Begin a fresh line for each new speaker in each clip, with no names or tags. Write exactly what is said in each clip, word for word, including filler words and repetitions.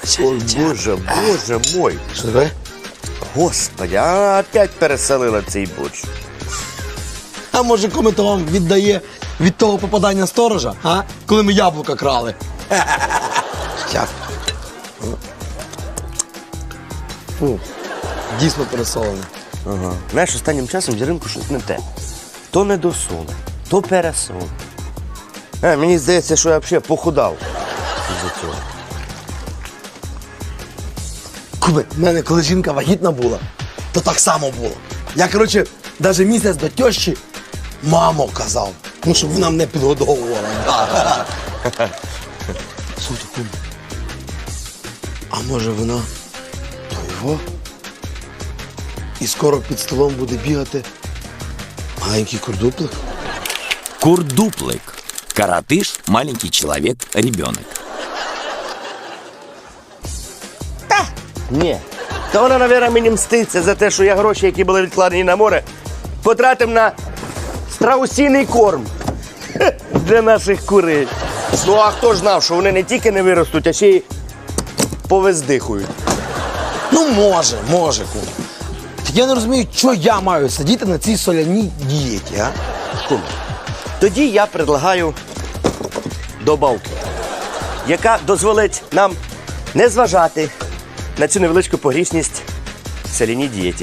Ой, боже, боже мой.
Що таке?
Господи, а опять переселила цей борщ.
А може, кому то вам віддає від того попадання сторожа, а? Коли ми яблука крали. Як? Фу, дійсно пересолене.
Ага. Знаєш, останнім часом в Яринку щось не те. То не досоле, то пересоле. А, мені здається, що я взагалі похудав із-за цього.
Куби, в мене коли жінка вагітна була, то так само було. Я, коротше, навіть місяць до тещі мамо казав. Ну, щоб вона мене підгодовувала. Слухайте, куби, а може вона то його? І скоро під столом буде бігати маленький курдуплик?
Курдуплик. Коротыш, маленький человек, ребенок.
Ні. То вона, мабуть, мені мститься за те, що я гроші, які були відкладені на море, потратив на страусиний корм для наших курей. Ну, а хто ж знав, що вони не тільки не виростуть, а ще й повездихують.
Ну, може, може, куби. Так я не розумію, що я маю сидіти на цій соляній дієті, а?
Куме, тоді я предлагаю добавку, яка дозволить нам не зважати на цю невеличку погрішність в соляній дієті.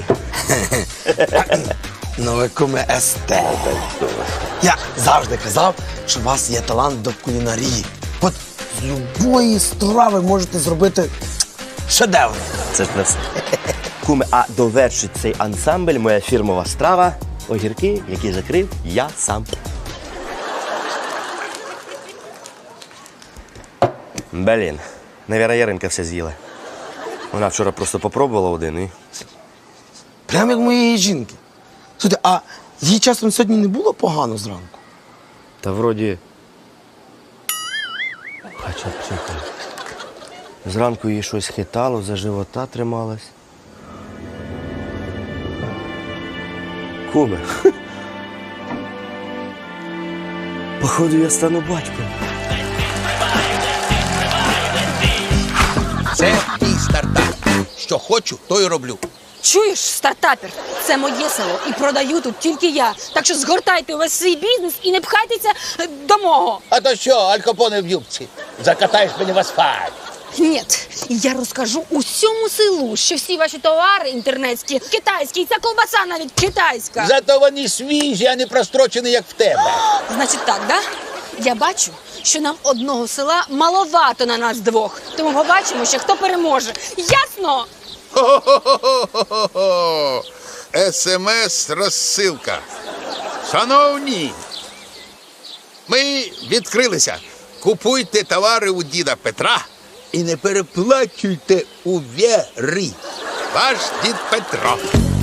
Ну, ви, куме, естет. Я завжди казав, що у вас є талант до кулінарії. От з любої страви можете зробити шедевр.
Це ж не все. Куме, а довершить цей ансамбль моя фірмова страва – огірки, які закрив я сам. Блін, навіра Яринка все з'їла. Вона вчора просто попробувала один і...
Прямо як моєї жінки. Слухайте, а їй часом сьогодні не було погано зранку?
Та вроді... Хоча б чекай. Зранку їй щось хитало, за живота трималась. Куме. Походу, я стану батьком.
Це мій стартап. Що хочу, то й роблю.
Чуєш, стартапер, це моє село і продаю тут тільки я. Так що згортайте увесь свій бізнес і не пхайтеся е, до мого.
А то що, алькапоне в юбці? Закатаєш мені в асфальт.
Ні, я розкажу усьому селу, що всі ваші товари інтернетські, китайські, і ця ковбаса навіть китайська.
Зато вони свіжі, а не прострочені, як в тебе.
Значить так, да? Я бачу, що нам одного села маловато на нас двох. Тому побачимо, ще хто переможе. Ясно?
Хо-хо-хо-хо-хо-хо! ес ем ес-розсилка. Шановні, ми відкрилися. Купуйте товари у діда Петра і не переплачуйте у Вєри. Ваш дід Петро.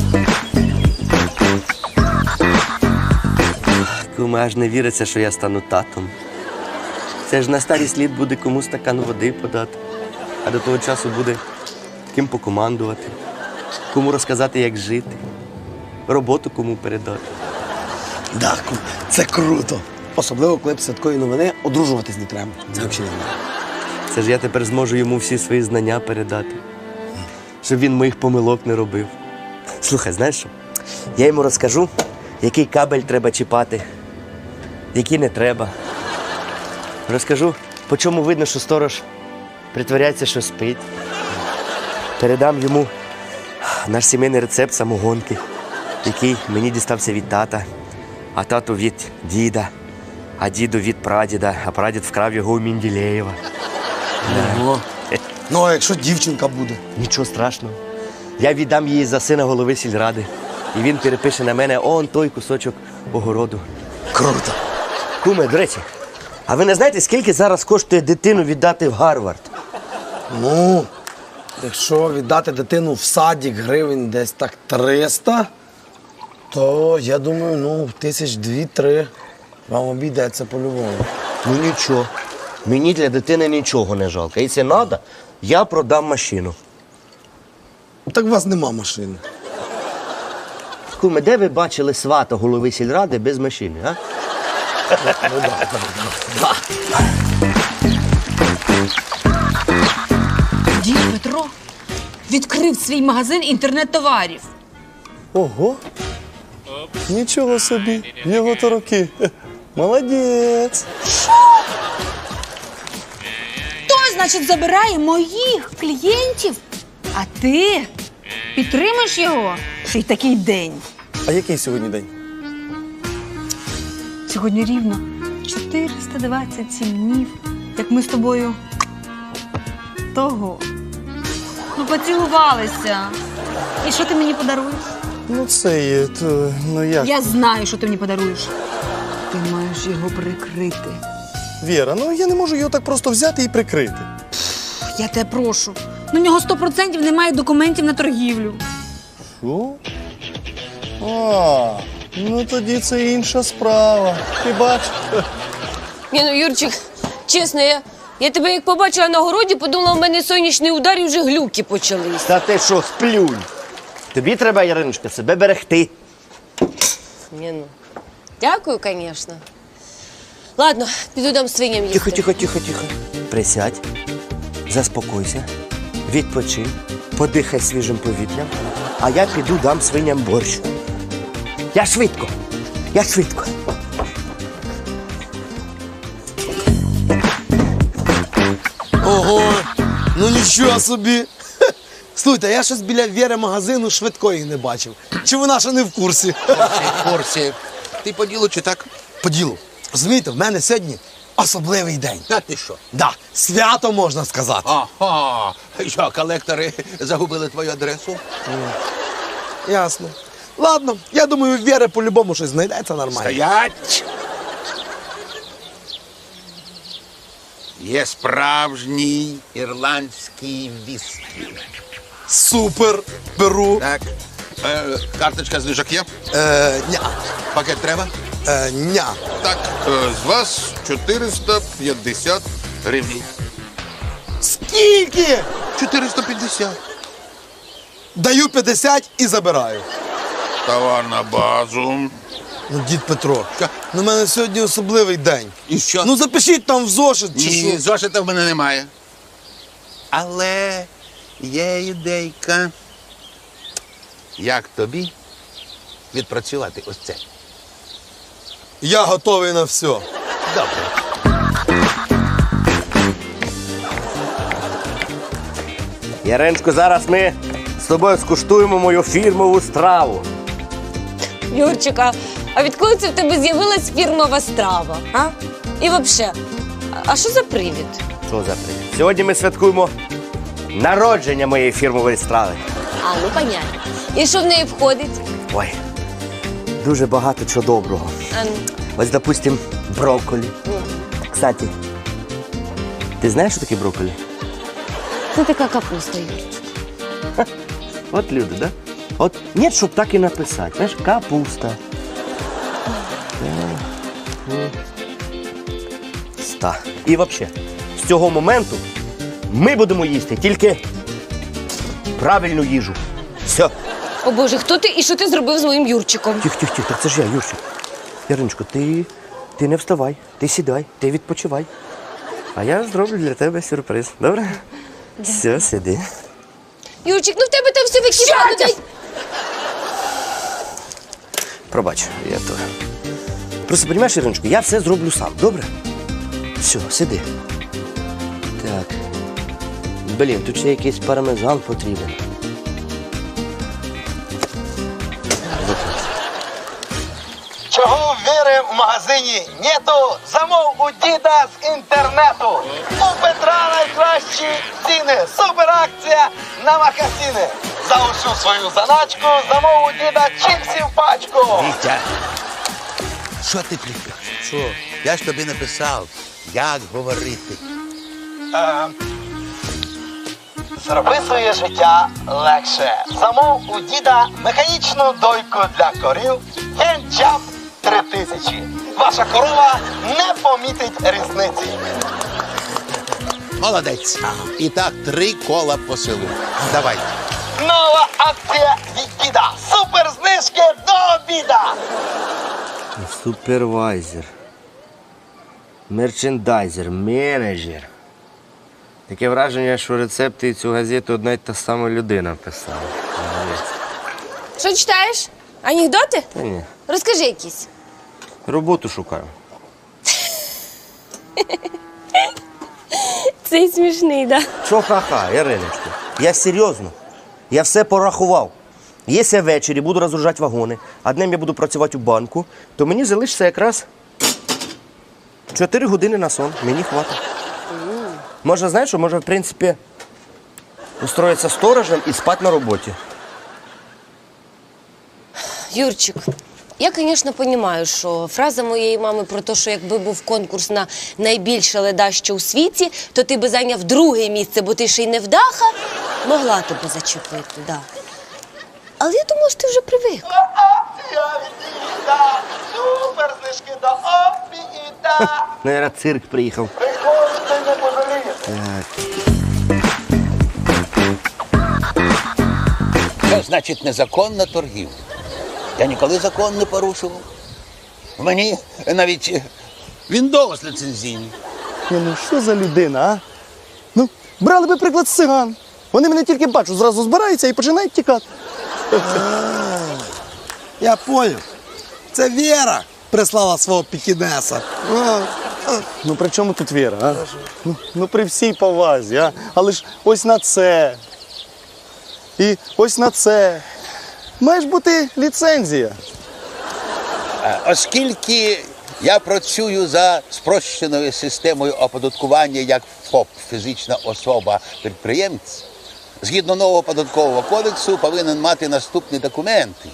Куме, аж не віриться, що я стану татом. Це ж на старість літ буде кому стакан води подати, а до того часу буде ким покомандувати, кому розказати, як жити, роботу кому передати.
Да, куме, це круто. Особливо, коли після такої новини одружуватись не треба. Це взагалі не треба.
Це ж я тепер зможу йому всі свої знання передати, щоб він моїх помилок не робив. Слухай, знаєш що? Я йому розкажу, який кабель треба чіпати, який не треба. Розкажу, по чому видно, що сторож притворяється, що спить. Передам йому наш сімейний рецепт самогонки, який мені дістався від тата, а тату від діда, а діду від прадіда, а прадід вкрав його у Менделєєва.
Ого. Ну, а якщо дівчинка буде?
Нічого страшного. Я віддам її за сина голови сільради. І він перепише на мене он той кусочок огороду.
Круто.
Куме, до речі, а ви не знаєте, скільки зараз коштує дитину віддати в Гарвард?
Ну, якщо віддати дитину в садик гривень десь так триста, то я думаю, ну, тисяч дві-три вам обійдеться по-любому.
Ну нічого. Мені для дитини нічого не жалко. Якщо треба, я продам машину.
Так у вас нема машини.
Куме, де ви бачили свата голови сільради без машини, а?
Ну, да, да, да.
Дід, Петро відкрив свій магазин інтернет-товарів.
Ого. Нічого собі, його то роки. Молодець.
Той, значить, забирає моїх клієнтів. А ти підтримаєш його? Ще й такий день.
А який сьогодні день?
Сьогодні рівно чотириста двадцять сім днів, як ми з тобою того. Ну, поцілувалися. І що ти мені подаруєш?
Ну це є, то, ну як?
Я знаю, що ти мені подаруєш. Ти маєш його прикрити.
Віра, ну я не можу його так просто взяти і прикрити.
Я тебе прошу. На нього сто відсотків немає документів на торгівлю.
Що? А, ну тоді це інша справа. Ти бачиш?
Ні, ну, Юрчик, чесно, я, я тебе як побачила на городі, подумала, в мене сонячний удар і вже глюки почались.
Та ти що, сплюнь? Тобі треба, Яриночка, себе берегти.
Ні, ну. Дякую, звісно. Ладно, піду дам свиням їсти.
Тихо, тихо, тихо, тихо. Присядь, заспокойся, відпочинь, подихай свіжим повітрям, а я піду дам свиням борщ. Я швидко, я швидко.
Ого, ну нічого собі. Слухайте, я щось біля Вєри магазину швидкої не бачив. Чи вона ще не в курсі?
В курсі. Ти по ділу чи так?
По ділу. Розумієте, в мене сьогодні особливий день.
Та ти що?
Да, свято можна сказати.
Ага. Що, колектори загубили твою адресу?
Ясно. Ладно, я думаю, в Вєри по-любому щось знайдеться нормально.
Стоять! Є справжній ірландський віскі.
Супер, беру.
Так. Е, карточка знижок є?
Е, ня,
Пакет треба?
е, ня.
Так, е, з вас чотириста п'ятдесят гривень.
Скільки?
чотириста п'ятдесят.
Даю п'ятдесят і забираю.
Товар на базу.
Ну, дід Петро,
Що?
ну в мене сьогодні особливий день.
І що?
Ну запишіть там в зошит чи
Ні,
що.
зошита в мене немає. Але є ідейка. Як тобі відпрацювати ось це?
Я готовий на все.
Добре.
Яриночко, зараз ми з тобою скуштуємо мою фірмову страву.
Юрчика, а відколи це в тебе з'явилась фірмова страва? А? І взагалі, а що за привід?
Що за привід? Сьогодні ми святкуємо народження моєї фірмової страви.
А, ну понятно. І що в неї входить?
Ой, дуже багато чого доброго.
А, ну,
Ось, допустим, брокколі. Кстати, ти знаєш, що таке брокколі?
це така капуста, Юрчик.
От люди, да? От ні, щоб так і написати. Знаєш, капуста. Ста. І взагалі, з цього моменту ми будемо їсти тільки правильну їжу. Все.
О Боже, хто ти і що ти зробив з моїм Юрчиком?
Тих, тих, тих, так це ж я, Юрчик. Яриночко, ти, ти не вставай, ти сідай, ти відпочивай. А я зроблю для тебе сюрприз. Добре? Все, сиди.
Юрчик, ну в тебе там все википало. Дай...
Пробач, я то. Просто, розумієш, Іриночко, я все зроблю сам, добре? Все, сиди. Так. Блін, тут ще якийсь пармезан потрібен.
Чого в Віри в магазині нету, замов у діда з інтернету. У Петра найкращі ціни, суперакція на макасини. За усю свою заначку замов у діда чіпсів пачку.
Вітя, що ти плітеш? Що? Я ж тобі написав, як говорити.
Е, Зроби своє життя легше. Замов у діда механічну дойку для корів генчап три тисячі. Ваша корова не помітить різниці.
Молодець. І так три кола по селу. Давай.
Нова акція від діда. Суперзнижки до обіда.
Супервайзер. Мерчендайзер, менеджер. Таке враження, що рецепти і цю газету одна й та сама людина писала. Молодець.
Що читаєш? Анекдоти?
Та ні.
Розкажи якісь.
Роботу шукаю.
Цей смішний, да?
Що ха-ха, Іриночко? Я серйозно. Я все порахував. Якщо я ввечері буду розгружати вагони, а днем я буду працювати у банку, то мені залишиться якраз чотири години на сон. Мені хватить. Може, знаєш що, може, в принципі, устроїтися сторожем і спати на роботі.
Юрчик, я, звісно, розумію, що фраза моєї мами про те, що якби був конкурс на найбільше ледаще у світі, то ти би зайняв друге місце, бо ти ще й не вдаха, могла тебе зачепити, да. Але я думала, що ти вже привик.
Акція від Діда, супер знижки до Опіда.
Наверно, цирк приїхав.
Приходьте, не пожалієте.
Це значить незаконна торгівля. Я ніколи закон не порушував. Мені навіть Windows ліцензійний.
Ні, ну що за людина, а? Ну, брали би приклад з циган. Вони мене тільки бачать, зразу збираються і починають тікати.
Я поняв. Це Віра прислала свого пікінеса.
Ну при чому тут Віра, а? Ну, ну при всій повазі, а? Але ж ось на це. І ось на це. Має ж бути ліцензія.
Е, Оскільки я працюю за спрощеною системою оподаткування як ФОП, фізична особа-підприємець, згідно нового податкового кодексу повинен мати наступні документи.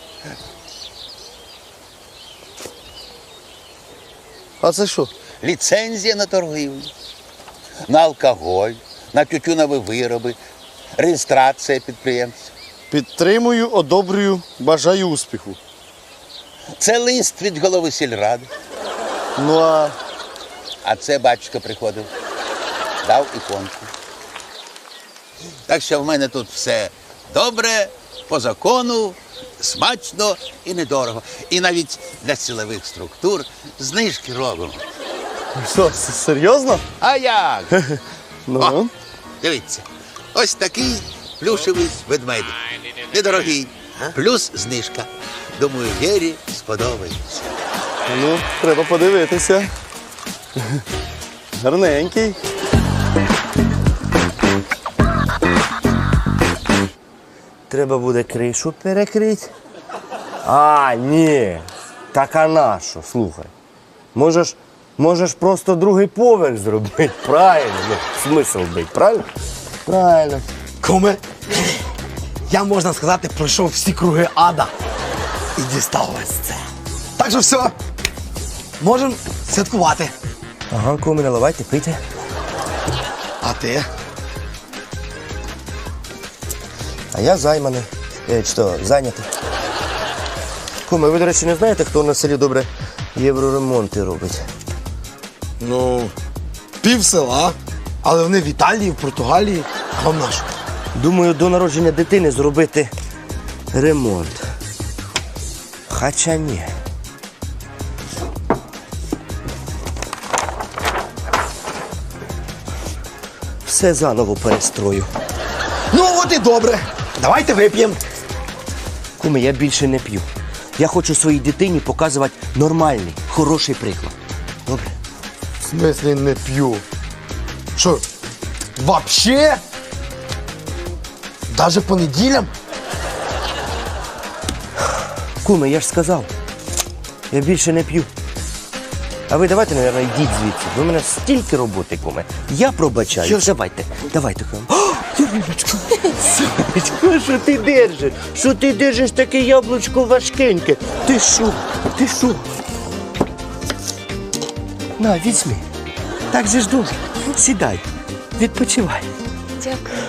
А це що?
Ліцензія на торгівлю, на алкоголь, на тютюнові вироби, реєстрація підприємця.
Підтримую, одобрюю, бажаю успіху.
Це лист від голови сільради.
Ну а
А це батюшка приходив, дав іконку. Так що в мене тут все добре, по закону, смачно і недорого. І навіть для силових структур знижки робимо.
що, с- серйозно?
А як?
Ну,
О, дивіться, ось такий плюшевий ведмедик. Недорогий, плюс знижка. Думаю, Вірі сподобається.
ну, треба подивитися. Гарненький.
Треба буде кришу перекрити. А, ні. Так а на що? Слухай. Можеш, можеш просто другий поверх зробити. Правильно. Ну, смисл бить, правильно? Правильно.
Куме, я, можна сказати, пройшов всі круги ада і дістав ось це. Так що все, можемо святкувати.
Ага, куми, наливайте, пийте.
А ти?
А я займаний. Е, що, зайнятий. Куми, ви, до речі, не знаєте, хто на селі добре євроремонти робить?
Ну, пів села, але вони в Італії, в Португалії, а вам нашу.
Думаю, до народження дитини зробити ремонт. Хоча ні. Все заново перестрою.
Ну, от і добре. Давайте вип'ємо.
Куми, я більше не п'ю. Я хочу своїй дитині показувати нормальний, хороший приклад. Добре?
В смислі не п'ю. Що, вообще? Даже по неділям?
Куми, я ж сказав. Я більше не п'ю. А ви давайте, мабуть, йдіть звідси. Ви мене стільки роботи, куми. Я пробачаю.
Я ж-
Давайте, давайте, куми. О, Юриночко, Сонечко, що ти держиш? Що ти держиш таке яблучко важкеньке? Ти що? Ти що? На, візьми. Так же ж добре. Сідай, відпочивай.
Дякую.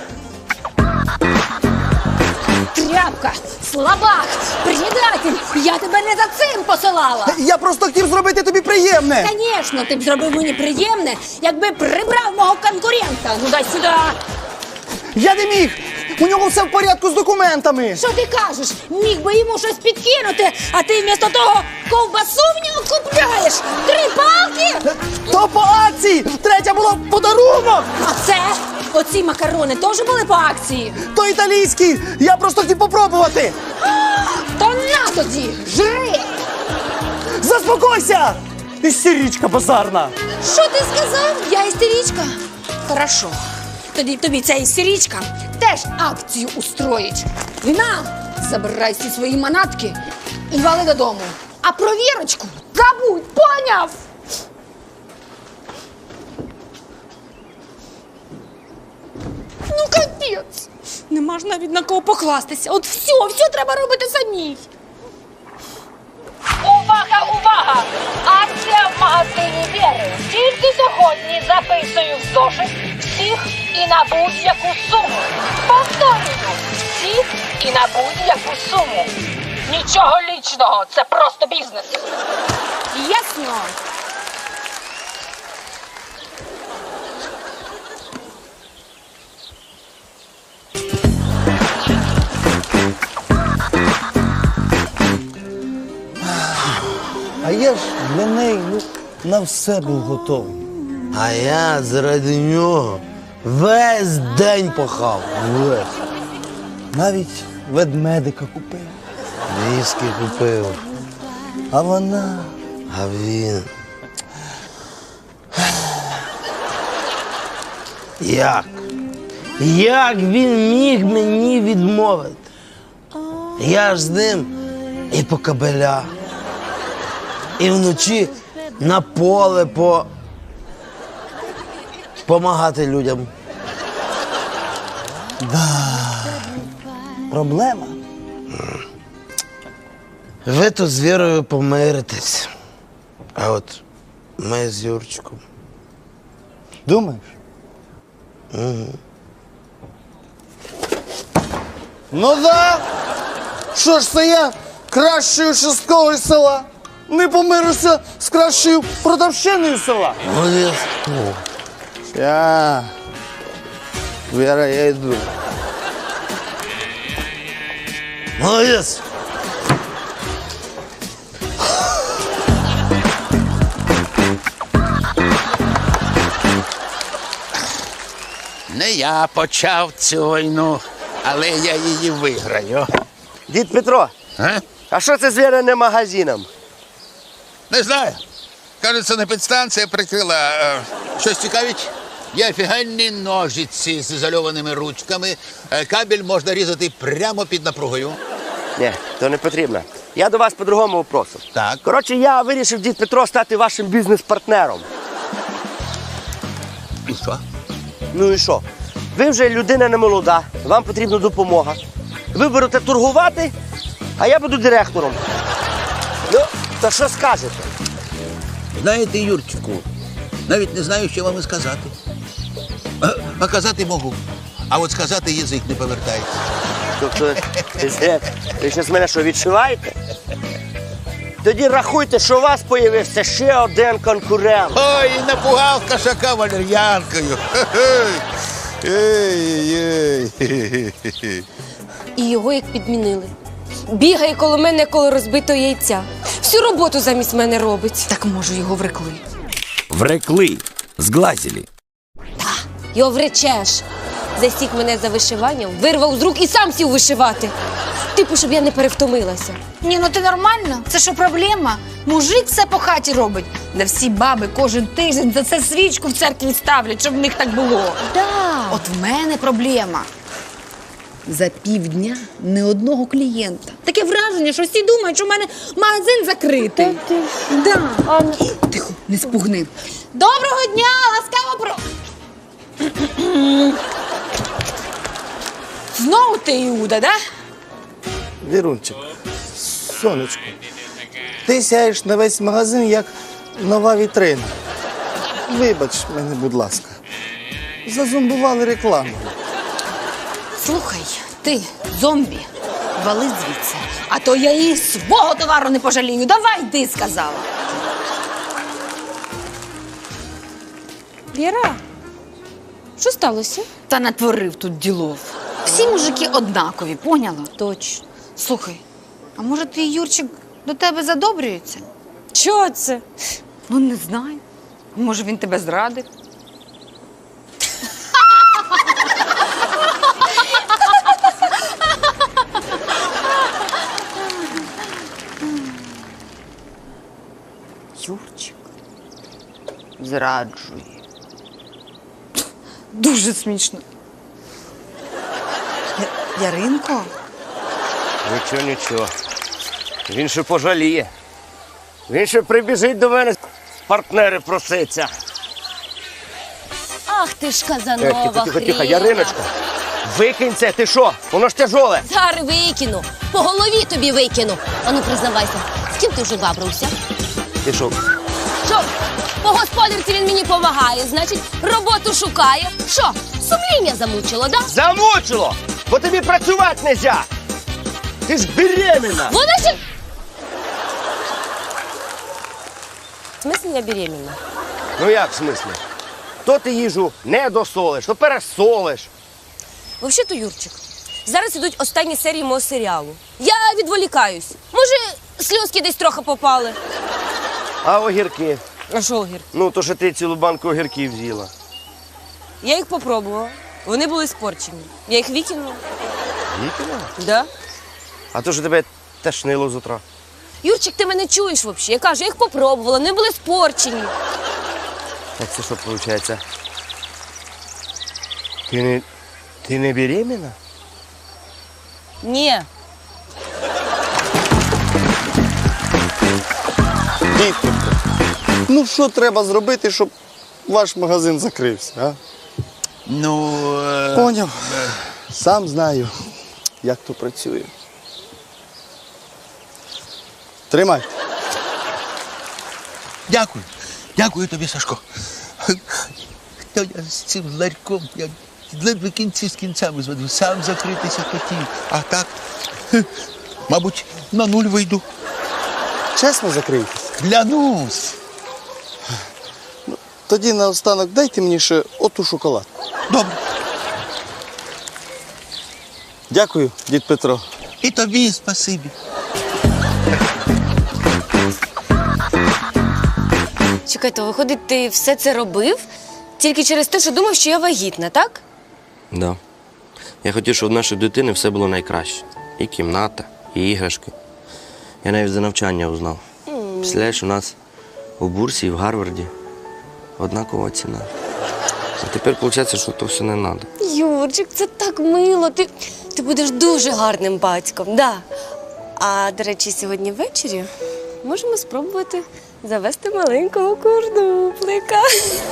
Тряпка, слабак, предатель, я тебе не за цим посилала.
Я просто хотів зробити тобі приємне.
Звісно, ти б зробив мені приємне, якби прибрав мого конкурента. Ну дай сюди.
Я не міг! У нього все в порядку з документами!
Що ти кажеш? Міг би йому щось підкинути, а ти вмісто того ковбасу в нього купляєш. Три палки?
То по акції! Третя була в подарунок!
А це
Оці макарони теж були по акції?
То італійський! Я просто хотів попробувати!
То на тоді, жри!
Заспокойся! Істеричка базарна!
Що ти сказав? Я істеричка? Хорошо. Тоді тобі ця істеричка теж акцію устроїть. На, забирай всі свої манатки і вали додому. А про Вірочку забудь, поняв? Ну, капець. Нема ж навіть на кого покластися. От все, все треба робити самій.
Увага, увага! Акція в магазині Вєри. Тільки сьогодні записую в зошит всіх і на будь-яку суму. Повторюю, всіх і на будь-яку суму. Нічого лічного, це просто бізнес.
Ясно.
А я ж для неї ну, на все був готовий. А я заради нього весь день пахав. Весь. Навіть ведмедика купив. Віскі купив. А вона, а він. Як? Як він міг мені відмовити? Я ж з ним і по кабелях, і вночі на поле по... помагати людям. Да. Проблема. Ви тут з Вірою помиритесь. А от ми з Юрчиком.
Думаєш?
Угу.
Ну да! Що ж це я кращою шестковою села? Не помирюся з кращою продавщиною села.
Молодець.
Я... Віра, я йду.
Молодець.
Не я почав цю війну, але я її виграю.
Дід Петро,
А?
а що це з Віриним магазином?
Не знаю. Кажеться, на підстанція прикрила. Е, Щось цікавить? Є офігенні ножиці з ізольованими ручками. Е, Кабель можна різати прямо під напругою.
Ні, то не потрібно. Я до вас по другому вопросу.
Так.
Коротше, я вирішив, дід Петро, стати вашим бізнес-партнером.
І що?
Ну і що? Ви вже людина не молода, вам потрібна допомога. Ви будете торгувати, а я буду директором. Ну, то що скажете?
Знаєте, Юрчику, навіть не знаю, що вам і сказати. А, а казати можу, а от сказати язик не повертається.
Тобто, ви, ви зараз мене що, відшиваєте? Тоді рахуйте, що у вас з'явився ще один конкурент.
Ой, напугав кошака валер'янкою. Ей-ей-ей.
І його як підмінили. Бігає коло мене, коло розбитого яйця. Всю роботу замість мене робить.
Так, може, його врекли.
Врекли, сглазили.
Його вречеш. Засік мене за вишиванням, вирвав з рук і сам сів вишивати. Типу, щоб я не перевтомилася.
Ні, ну ти нормально? Це що проблема? Мужик все по хаті робить. Да всі баби кожен тиждень за це свічку в церкві ставлять, щоб в них так було.
Да.
От в мене проблема. За півдня ні одного клієнта. Таке враження, що всі думають, що в мене магазин закритий. Да. Тихо, не спугни. Доброго дня, ласкаво про... Знову ти, Іуда, да?
Вірунчик, сонечко, ти сяєш на весь магазин, як нова вітрина. Вибач мене, будь ласка. Зазомбували рекламу.
Слухай, ти, зомбі, вали звідси. А то я і свого товару не пожалію. Давай, ти сказала.
Віра, що сталося?
Та натворив тут ділов. Всі мужики однакові, поняла?
Точно.
Слухай, а може твій Юрчик до тебе задобрюється?
Чого це?
Ну, не знаю. Може, він тебе зрадив?
зраджує. Дуже смішно. Я- Яринко?
Нічого, нічого. Він ще пожаліє. Він ще прибіжить до мене, партнери проситься.
Ах ти ж
Е,
Казанова
тихо, тихо, тихо,
хріна.
Яриночка. Викинь це, ти що? Воно ж тяжоле.
Зараз викину. По голові тобі викину. Ану, признавайся, з ким ти вже бабрався?
Ти що?
Що? По господарці він мені помагає, значить, роботу шукає. Що, сумління замучило, да?
Замучило! Бо тобі працювати не можна! Ти ж беременна!
Вона ще... В смысле я беременна?
Ну як в смислі? То ти їжу не досолиш, то пересолиш.
Взагалі-то, Юрчик, зараз ідуть останні серії мого серіалу. Я відволікаюсь. Може, сльозки десь трохи попали.
А огірки?
А що огір?
Ну, то що ти цілу банку огірків з'їла.
Я їх попробувала. Вони були спорчені. Я їх викинула.
Викинула?
Да.
А то що тебе тошнило з утра.
Юрчик, ти мене чуєш взагалі? Я кажу, я їх попробувала, вони були спорчені.
Так це що виходить? Ти не, ти не беременна?
Ні.
Дітко, ну що треба зробити, щоб ваш магазин закрився, а?
Ну, е,
Поняв. Сам знаю, як то працює. Тримай.
дякую. Дякую тобі, Сашко. Та я з цим ларьком, я ледве кінці з кінцями зведу. Сам закритися хотів. А так, хе, мабуть, на нуль вийду.
Чесно закрийтесь.
Клянусь.
Тоді наостанок дайте мені ще оту шоколадку.
Добре.
Дякую, дід Петро.
І тобі спасибі.
Чекайте, виходить, ти все це робив тільки через те, що думав, що я вагітна, так?
Да. Я хотів, щоб в нашої дитини все було найкраще. І кімната, і іграшки. Я навіть за навчання узнав. Представляєш, у нас у Бурсі і в Гарварді однакова ціна. А тепер виходить, що то все не треба.
Юрчик, це так мило. Ти, ти будеш дуже гарним батьком, да. А, до речі, сьогодні ввечері можемо спробувати завести маленького курдуплика.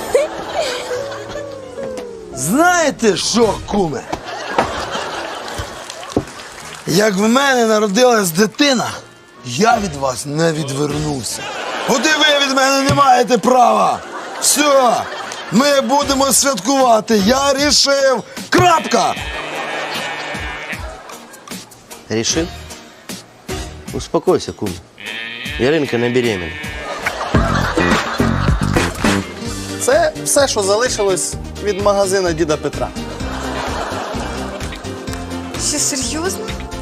Знаєте що, куме? Як в мене народилась дитина, я від вас не відвернувся. От і ви від мене не маєте права. Все, ми будемо святкувати. Я рішив. Крапка!
Рішив? Успокойся, кум. Яринка не беременна.
Це все, що залишилось від магазина діда Петра.
Що, серйозно?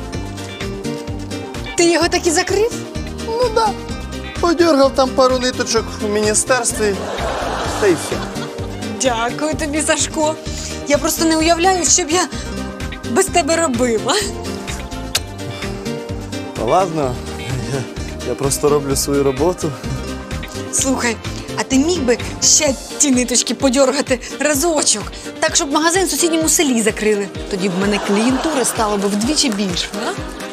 Ти його так і закрив?
Ну да. Подергав там пару ниточок в міністерстві, та й все.
Дякую тобі, Сашко. Я просто не уявляю, що б я без тебе робила.
Та ладно, я, я просто роблю свою роботу.
Слухай, а ти міг би ще ті ниточки подьоргати разочок, так, щоб магазин в сусідньому селі закрили. Тоді б в мене клієнтури стало б вдвічі більше, а?